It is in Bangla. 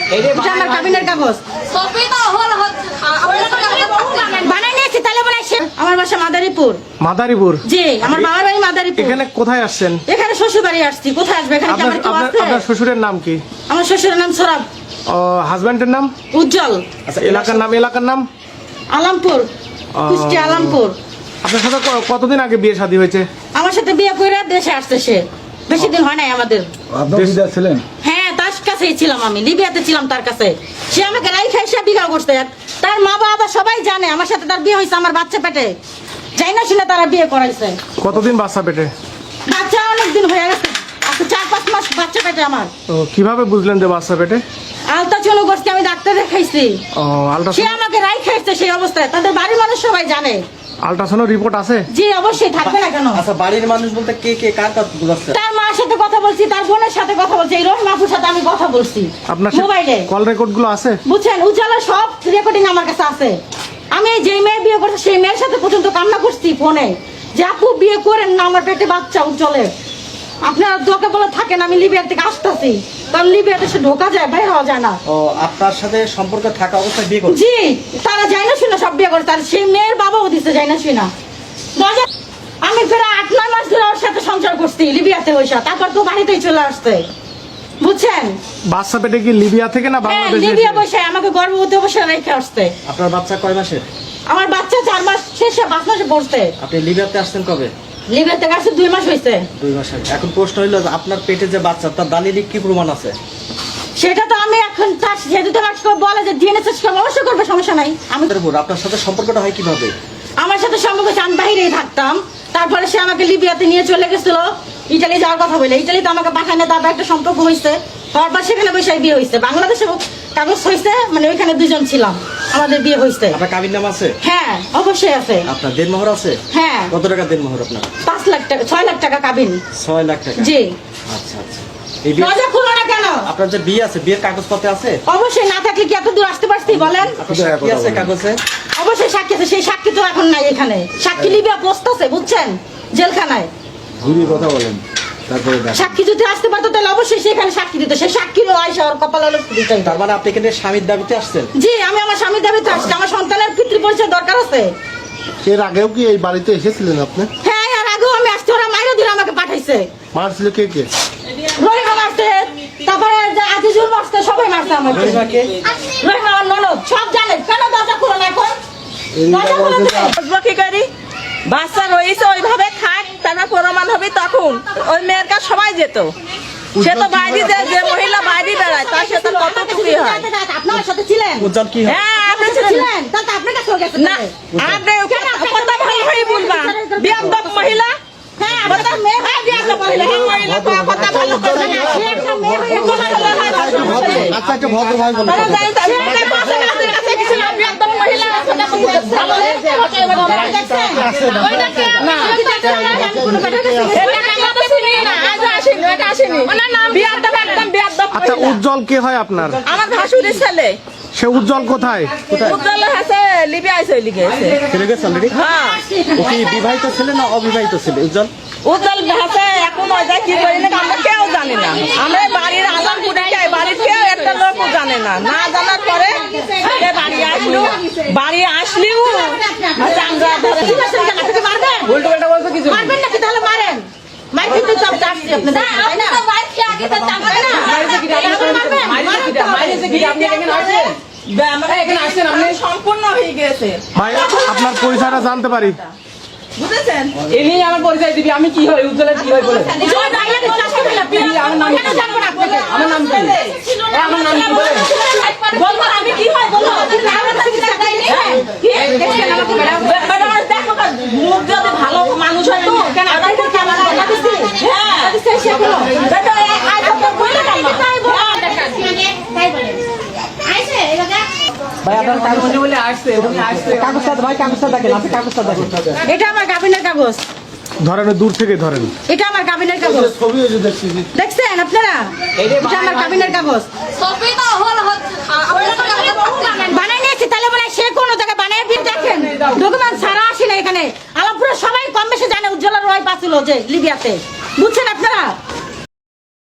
এটা আমার কাবিনের কাগজ বানাই নিয়েছি। তাহলে বলে আমার বাসা মাদারীপুর। মাদারীপুর? জি, আমার বাবার বাড়ি মাদারীপুর। এখানে কোথায় আসছেন? এখানে শ্বশুর বাড়ি আসছি। কোথায় আসবে? এখানে কি আমার কেউ আছে? আপনার শ্বশুরের নাম কি? আমার শ্বশুরের নাম সরাব। হাজবেন্ডের নাম? উজ্জ্বল। আচ্ছা, এলাকার নাম? আলামপুর, কুষ্টিয়া আলামপুর। আপনার সাথে কতদিন আগে বিয়ে শাদী হয়েছে? আমার সাথে বিয়ে করে দেশে আসছে সে। বেশি দিন হয় নাই আমাদের। ছিলেন? হ্যাঁ, তার কাছেই ছিলাম আমি, লিবিয়াতে ছিলাম তার কাছে। সে আমাকে রাইখা এসে বিয়ে করছে। তার মা বাবা সবাই জানে আমার সাথে তার বিয়ে হয়েছে আমার বাচ্চা পেটে। যাই না শুনে তারা বিয়ে করাইছে। কতদিন বাচ্চা পেটে? বাচ্চা অনেকদিন হয়ে গেছে, আচ্ছা 4-5 মাস বাচ্চা পেটে আমার। কিভাবে বুঝলেন যে বাচ্চা পেটে? আলট্রাসাউন্ড করছি, আমি ডাক্তার দেখাইছি। সে আমাকে রাইখা এসছে সেই অবস্থায়। তাদের বাড়ির মানুষ সবাই জানে। আলট্রাসাউন্ড রিপোর্ট আছে? জি অবশ্যই, থাকবে না কেন? আচ্ছা, বাড়ির মানুষ বলতে কে কার কথা বলছে? তার মার সাথে কথা বলছি, তার বোনের সাথে কথা বলছি, এই রহিম আপুর সাথে আমি কথা বলছি আপনার মোবাইলে। কল রেকর্ড গুলো আছে? বুঝছেন, উজ্জ্বলা সব রেকর্ডিং আমার কাছে আছে। আমি যে মেয়ে বিয়ে করছি সেই মেয়ের সাথে পর্যন্ত কান্না করছি ফোনে যে আপু বিয়ে করেন না, আমার পেটে বাচ্চা উজ্জ্বলের। আপনারা দোকে বলে থাকেন আমি লিবিয়ার থেকে আসতেছি, কারণ লিবিয়াতে সে ঢোকা যায়, বাইরে হওয়া যায় না। ও, আপনার সাথে সম্পর্ক থাকা অবস্থায় বিয়ে করছে? জি, তারা যায় না শুনে সব বিয়ে করছে। আর সেই মেয়ের বাবাও দিচ্ছে যায় না শুনা। আমি ফের 8-9 মাস ধরে ওর সাথে সংসার করছি লিবিয়াতে বসে, তারপর তো বাড়িতেই চলে আসছে। বুঝছেন, বাচ্চা পেটে কি লিবিয়া থেকে না বাংলাদেশ? লিবিয়া বসে আমাকে গর্ভবতী অবস্থায় রেখে আসছে। আপনার বাচ্চা কয় মাসের? আমার বাচ্চা 4 মাস শেষে 5 মাসে পড়ছে। আপনি লিবিয়াতে আসছেন কবে? লিবিয়াতে আসছে 2 মাস হয়েছে। 2 মাস আগে। এখন প্রশ্ন হইলো যে আপনার পেটে যে বাচ্চা, তার দালিলিক কি প্রমাণ আছে? সেটা তো আমি এখন তার যেহেতু তোমার বলে যে ডিএনএ টেস্ট অবশ্যই করবে, সমস্যা নাই। আমি আপনার সাথে সম্পর্কটা হয় কিভাবে? আমার সাথে সম্পর্ক আমি বাইরেই থাকতাম, তারপরে সে আমাকে লিবিয়াতে নিয়ে চলে গেছিল ইটালি যাওয়ার কথা বলে। ইটালিতে আমাকে পাঠায় না, তারপর একটা সম্পর্ক হয়েছে। তারপর সেখানে বসে বিয়ে হয়েছে। বাংলাদেশে কাগজ হয়েছে, মানে ওইখানে 2 জন ছিলাম, আমাদের বিয়ে হয়েছে। আপনার কাবির নাম আছে? হ্যাঁ অবশ্যই আছে। আপনার দেনমোহর আছে? হ্যাঁ। কত টাকা দেনমোহর আপনার? 5 লাখ টাকা, 6 লাখ টাকা কাবিন। 6 লাখ টাকা? জি। আচ্ছা আচ্ছা। এই বিয়ে, দরজা খুলো না কেন? আপনার যে বিয়ে আছে, বিয়ের কাগজপত্র আছে? অবশ্যই, না থাকলে কি এত দূর আসতে পারছি বলেন? আপনার সাক্ষী আছে কাগজে? অবশ্যই সাক্ষী আছে, সেই সাক্ষী তো এখন নাই এখানে। সাক্ষী লিবিয়া বসতেছে, বুঝছেন, জেলখানায়। ঘুরিয়ে কথা বলেন, তারপরে সাক্ষী যদি আসতে পারতো তাহলে অবশ্যই সেখানে সাক্ষী দিত। সেই সাক্ষীরও আয়সা ওর কপাল আলো দিত। তার মানে আপনি এখানে স্বামীর দাবিতে আসছেন? জি, আমি আমার স্বামীর দাবিতে আসছি। আমার সন্তানের পিতৃ পরিচয় দরকার আছে। এর আগেও কি এই বাড়িতে এসেছিলেন আপনি? হ্যাঁ, আর আগেও আমি আসছি। ওরা মাইরে দিলে আমাকে পাঠাইছে। মারছিল কে? রহিমা মারছে, তারপরে আজিজুল মারছে, সবাই মারছে আমাকে। রহিমাকে? রহিমা আমার ননদ, সব জানে। কেন দরজা খুলো না এখন? দরজা খুলো না। কি করি? বাচ্চা রয়েছে ওইভাবে থাক, তারপর প্রমাণ হবে তখন। ওই মেয়ের কাছে সবাই যেত। সে তো বাইরে যে মহিলা বাইরে বেড়ায়, তার সাথে কত খুশি হয়। আপনার সাথে ছিলেন? উজ্জ্বল কি হয়? হ্যাঁ, আপনি আপনার সাথে ছিলেন ছিলেন? তাহলে তো আপনার কাছেও গেছে। না, আপনি কথা ভালো করে বলবা। বিয়াদব মহিলা। হ্যাঁ, আপনার মেয়ে হয় বিয়াদব মহিলা। এই মহিলা কথা ভালো করে না। সে একটা মেয়ে হয়ে কথা বলে না। আচ্ছা, একটা ভদ্র ভাই বলেন। তারা জানি তার মেয়েটা কথা আমাদের কাছে কিছু না, বিয়াদব মহিলা। ভালো দেখছেন? ওইটা কে? না। আমি দেখছেন না, আমি কোনো ব্যাটার কাছে গেছি। এটা আমরা তো চিনি না, আজও আসেনি, এটা আসেনি। ওনার নাম বিয়াদব, একদম বিয়াদব আচ্ছা, মহিলা। উজ্জ্বল কে হয় আপনার? আমার ভাসুরের ছেলে। সে উজ্জ্বল কোথায়? উজ্জ্বল আছে লিবিয়ায় চলে গেছে। চলে গেছে অলরেডি? হ্যাঁ, ও কি বিবাহিত ছেলে না অবিবাহিত ছেলে উজ্জ্বল? উজ্জ্বল আছে এখন ওই যায় কি করি না, আমরা কেউ জানি না। আমরা বাড়ির আলামপুরে যাই, বাড়ির কেউ একটা লোকও জানে না। না জানার পরে সে বাড়ি আসলেও আচ্ছা, আমরা ধরে ঠিক আছে, আপনাকে মারবেন? উল্টো পাল্টা বলছো কিছু? মারবেন নাকি? তাহলে মারেন। মাইর কিন্তু সব চাচ্ছি আপনাদের, তাই না? তাই না? সম্পূর্ণ হয়ে গেছে, ভাই, আপনার পরিচয়টা জানতে পারি? বুঝেছেন? এই নিয়ে আমার পরিচয় দিবি, আমি কি হয়, উজ্জ্বলের কি হয় বলে। জয় বাংলাদেশ রাষ্ট্র বিপ্লবী। আমার নাম কেন জানবো না আপনাকে? আমার নাম কি? আমার নাম কি বলেন? বলবো না, আমি কি হয় বলবো? আমার কাছে কিছু দেয়নি। কি? দেখছেন আমাকে ম্যাডাম? দেখো মুখ যদি ভালো মানুষ হয় তো কেন আমার কাছে আমার টাকা দিছি। হ্যাঁ, দিছে সে বলো। দেখো আজ তো বলে না তাই বলো। তাই বলে। আইছে এলাকা। ভাই আপনার কাগজ বলে আসছে, উনি আসছে। কাগজটা ভাই, কাগজটা দেখেন, আপনি কাগজটা দেখেন। এটা আমার কাবিনের কাগজ। ধরেন, দূর থেকে ধরেন। এটা আমার কাবিনের কাগজ। ছবি হয়েছে দেখছি। দেখছেন আপনারা? এটা আমার কাবিনের কাগজ। বানাই নিয়েছি, তাহলে বলে সে কোনো জায়গায় বানাই দিয়ে দেখেন। ডকুমেন্ট ছাড়া আসে না এখানে। আলামপুরে সবাই কম বেশি জানে উজ্জ্বলার ওয়াইফ আছিল যে লিবিয়াতে। বুঝছেন আপনারা?